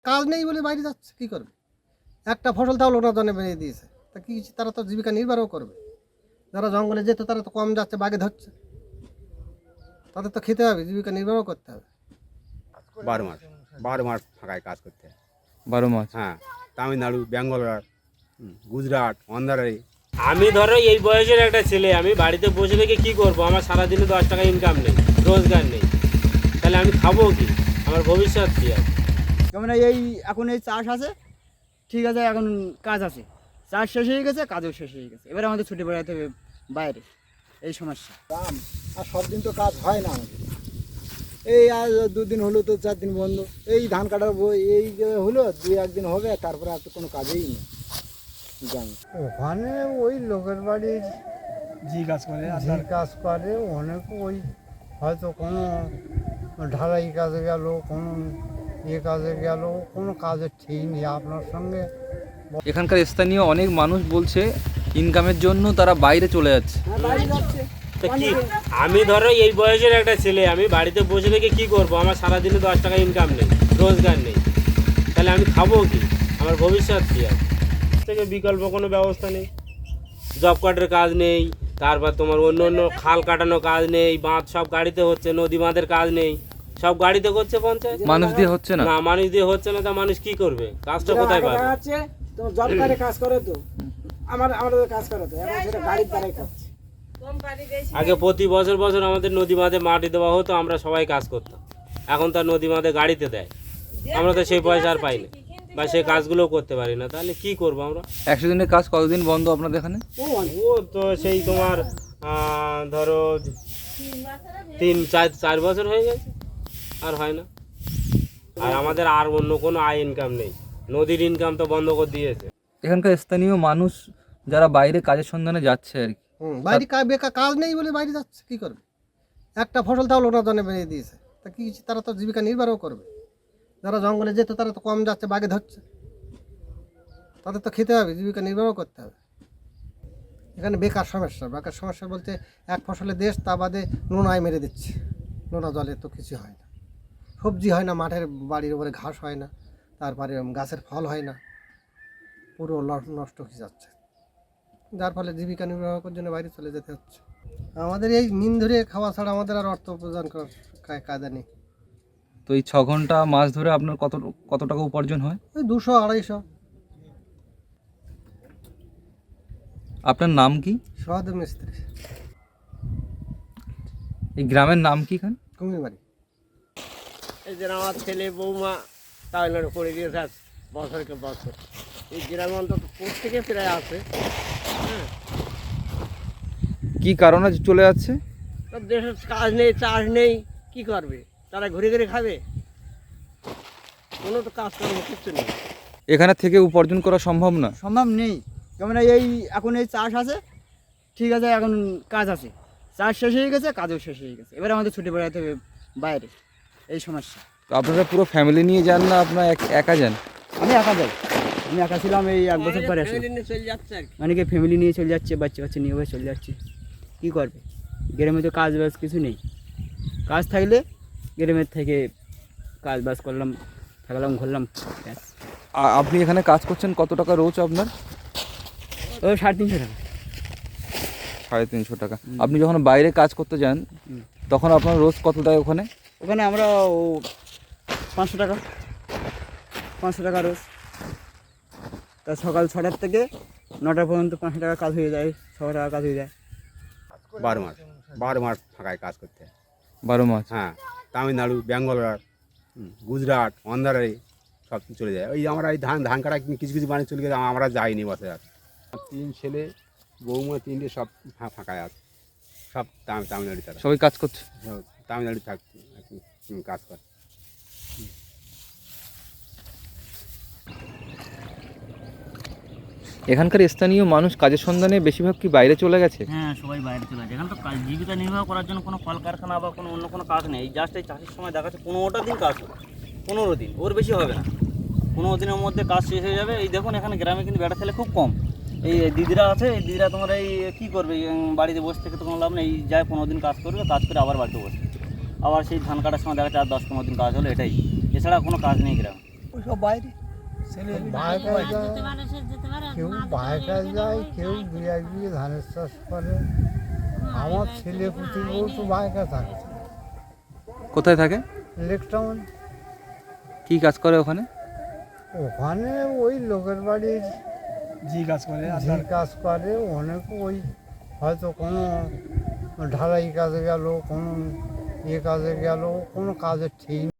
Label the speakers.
Speaker 1: কাজ নেই বলে বাইরে যাচ্ছে, কী করবে? একটা ফসল তাও লোনা জনে বেরিয়ে দিয়েছে, তা কি তারা তো জীবিকা নির্বাহও করবে। যারা জঙ্গলে যেত তারা তো কম যাচ্ছে, বাঘে ধরছে, তাদের তো খেতে হবে, জীবিকা নির্বাহ করতে হবে।
Speaker 2: 12 মাস 12 মাস ফাঁকায় কাজ করতে হয়।
Speaker 3: 12 মাস।
Speaker 2: হ্যাঁ, তামিলনাড়ু, ব্যাঙ্গালোর, গুজরাট, অন্ধ্রারে।
Speaker 4: আমি ধরো এই বয়সের একটা ছেলে, আমি বাড়িতে বসে থেকে কি করব? আমার সারাদিনে 10 টাকা ইনকাম নেই, রোজগার নেই, তাহলে আমি খাবো কি? আমার ভবিষ্যৎ কী আছে?
Speaker 5: যেমন এই এখন এই চাষ আছে, ঠিক আছে, এখন কাজ আছে, চাষ শেষ হয়ে গেছে, কাজও শেষ হয়ে গেছে, এবারে আমাদের ছুটি বেড়াতে হবে বাইরে, এই সমস্যা।
Speaker 6: দাম আর সব দিন তো কাজ হয় না আমাদের। এই আজ 2 দিন হলো তো 4 দিন বন্ধ, এই ধান কাটার এই যে হলো 2-1 দিন হবে, তারপরে আর তো কোনো কাজেই নেই জানি।
Speaker 7: ওখানে ওই লোকের বাড়ির
Speaker 6: জি কাজ করে
Speaker 7: যে কাজ করে অনেক, ওই হয়তো কোনো ঢালাই কাজে গেল, কোনো কাজে গেল, কোনো কাজের ঠিক নেই আপনার সঙ্গে।
Speaker 3: এখানকার স্থানীয় অনেক মানুষ বলছে ইনকামের জন্য তারা বাইরে চলে যাচ্ছে।
Speaker 4: তো কি, আমি ধরো এই বয়সের একটা ছেলে, আমি বাড়িতে বসে থেকে কি করব? আমার সারাদিনে 10 টাকা ইনকাম নেই, রোজগার নেই, তাহলে আমি খাবো কি? আমার ভবিষ্যৎ কী আছে? থেকে বিকল্প কোনো ব্যবস্থা নেই, জব কার্ডের কাজ নেই, তারপর তোমার অন্য অন্য খাল কাটানো কাজ নেই, বাঁধ সব গাড়িতে হচ্ছে, নদী বাঁধের কাজ নেই, সব গাড়িতে করছে পঞ্চায়েত।
Speaker 3: মানুষ দিয়ে হচ্ছে না।
Speaker 4: না, মানুষ দিয়ে হচ্ছে না, তা মানুষ কি করবে? কাজটা কোথায় পাবে?
Speaker 6: তো জব কার্ডে কাজ করে তো আমাদের কাজ করে তো, এখন সেটা গাড়ির দ্বারাই করছে।
Speaker 4: আগে প্রতি বছর বছর আমাদের নদী বাঁধে মাটি দেওয়া হতো, আমরা সবাই কাজ করতাম। এখন তার নদী বাঁধে গাড়িতে দেয়, আমরা তো সেই পয়সা আর পাই না, বা সেই কাজগুলোও করতে পারি না, তাহলে কি করব আমরা?
Speaker 3: 100 দিনের কাজ কতদিন বন্ধ আপনাদের এখানে?
Speaker 4: ও তো সেই তোমার ধরো 3-4 বছর হয়ে গেছে, আর হয় না। আর আমাদের আর অন্য কোনো আয় ইনকাম নেই, নদীর ইনকাম তো বন্ধ করে দিয়েছে।
Speaker 3: এখানকার স্থানীয় মানুষ যারা বাইরে কাজের সন্ধানে যাচ্ছে আর কি,
Speaker 1: বাইরে বেকার কাজ নেই বলে বাইরে যাচ্ছে, কী করবে? একটা ফসল তাও লোনা জনে বেরিয়ে দিয়েছে, তা কি তারা তো জীবিকা নির্বাহও করবে। যারা জঙ্গলে যেত তারা তো কম যাচ্ছে, বাঘে ধরছে, তাদের তো খেতে হবে, জীবিকা নির্বাহ করতে হবে। এখানে বেকার সমস্যা বলতে এক ফসলের দেশ, তা বাদে নোনায় মেরে দিচ্ছে, নোনা জলে তো কিছু হয় না, সবজি হয় না, মাঠের বাড়ির উপরে ঘাস হয় না, তারপরে গাছের ফল হয় না, পুরো নষ্ট হয়ে যাচ্ছে, যার ফলে জীবিকা নির্বাহ করার জন্য বাইরে চলে যেতে হচ্ছে। আমাদের এই নিন ধরে খাওয়া ছাড়া আমাদের আর অর্থ উপার্জন করার কায়দা নেই।
Speaker 3: তো এই 6 ঘন্টা মাছ ধরে আপনার কত টাকা উপার্জন হয়?
Speaker 1: ওই 200-250।
Speaker 3: আপনার নাম কি?
Speaker 1: সহজ মিস্ত্রি,
Speaker 3: এই গ্রামের নাম কি খান?
Speaker 1: কুমিরবাড়ি।
Speaker 8: এই যে আমার ছেলে বৌমা তামিলনাড়ু করে দিয়েছে আজ বছরকে বছর, এই গ্রামে অন্তত প্রত্যেকে প্রায় আছে। হ্যাঁ,
Speaker 3: কি কারণে চলে যাচ্ছে?
Speaker 8: তার দেশের কাজ নেই, চাষ নেই, কি করবে? তারা ঘুরে ঘুরে খাবে, কোনো তো কাজ কর্ম কিচ্ছু নেই।
Speaker 3: এখানে থেকে উপার্জন করা সম্ভব না।
Speaker 5: সম্ভব নেই। যেমন এই এখন এই চাষ আছে, ঠিক আছে, এখন কাজ আছে, চাষ শেষ হয়ে গেছে, কাজও শেষ হয়ে গেছে, এবারে আমাদের ছুটি বেড়াতে হবে বাইরে, এই সমস্যা।
Speaker 3: তো আপনারা পুরো ফ্যামিলি নিয়ে যান না আপনারা একা যান?
Speaker 5: আমি একা যাই, আমি একা ছিলাম, এই 1 বছর পরে আসি।
Speaker 8: ফ্যামিলি নিয়ে চলে যাচ্ছে আর কি।
Speaker 5: অনেকে ফ্যামিলি নিয়ে চলে যাচ্ছে, বাচ্চা কাচ্চা নিয়ে চলে যাচ্ছে, কী করবে? গ্রামে তো কাজ বাজ কিছু নেই, কাজ থাকলে গ্রামের থেকে কাজ বাজ করলাম, থাকলাম, ঘুরলাম, ব্যাস।
Speaker 3: আপনি এখানে কাজ করছেন, কত টাকা রোজ আপনার?
Speaker 5: ও 350 টাকা।
Speaker 3: 350 টাকা। আপনি যখন বাইরে কাজ করতে যান তখন আপনার রোজ কত দেয় ওখানে?
Speaker 5: ওখানে আমরা 500 টাকা, 500 টাকা রোজ। তা সকাল 6টার থেকে 9টা পর্যন্ত 500 টাকা কাজ হয়ে যায়, 6 টাকা কাজ হয়ে যায়।
Speaker 2: 12 মাস ফাঁকায় কাজ করতে হয়।
Speaker 3: 12 মাস।
Speaker 2: হ্যাঁ, তামিলনাড়ু, ব্যাঙ্গালোর, গুজরাট, অন্ধ্রারে সব চলে যায়। ওই আমরা এই ধান কাটা কিছু কিছু বাড়ি চলে গেলে আমরা যাইনি বছর। আর 3 ছেলে বৌমা 3টে সব ফাঁকায় আছে, সব তামিলনাড়ু, তারা
Speaker 3: সবাই কাজ করছে।
Speaker 2: তামিলনাড়ু কাজ করে।
Speaker 3: এখানকার স্থানীয় মানুষ কাজের সন্ধানে বেশিরভাগ কি বাইরে চলে গেছে?
Speaker 4: হ্যাঁ, সবাই বাইরে চলে যায়। এখানে তো জীবিকা নির্বাহ করার জন্য কোনো কলকারখানা বা কোনো অন্য কোনো কাজ নেই। জাস্ট এই চাষের সময় দেখাচ্ছে 15টা দিন কাজ হবে, 15 দিন, ওর বেশি হবে না। 15 দিনের মধ্যে কাজ শেষ হয়ে যাবে। এই দেখুন, এখানে গ্রামে কিন্তু বেটা ছেলে খুব কম। এই দিদিরা আছে, এই দিদিরা তোমার এই কী করবে? বাড়িতে বসে থেকে তো কোনো লাভ নেই। যায় 15 দিন কাজ করবে, কাজ করে আবার বাড়িতে বসবে, আবার সেই ধান কাটার সময় দেখা যাচ্ছে আর 10-15 দিন কাজ হলো, এটাই, এছাড়া কোনো কাজ নেই গ্রামে।
Speaker 6: সব বাইরে ছেলে
Speaker 7: বাইরে যায়, কেউ বাইরে যায়, কেউ দু এক বিঘে ধানের চাষ করে। আমার ছেলে পুঁতি বউ তো বাইরে থাকে,
Speaker 3: কোথায় থাকে?
Speaker 7: লেক টাউন।
Speaker 3: কি কাজ করে ওখানে?
Speaker 7: ওখানে ওই লোকের বাড়ির
Speaker 6: জি কাজ করে
Speaker 7: যে কাজ করে, অনেক ওই হয়তো কোনো ঢালাই কাজে গেল, কোনো কাজে গেল, কোনো কাজের ঠিক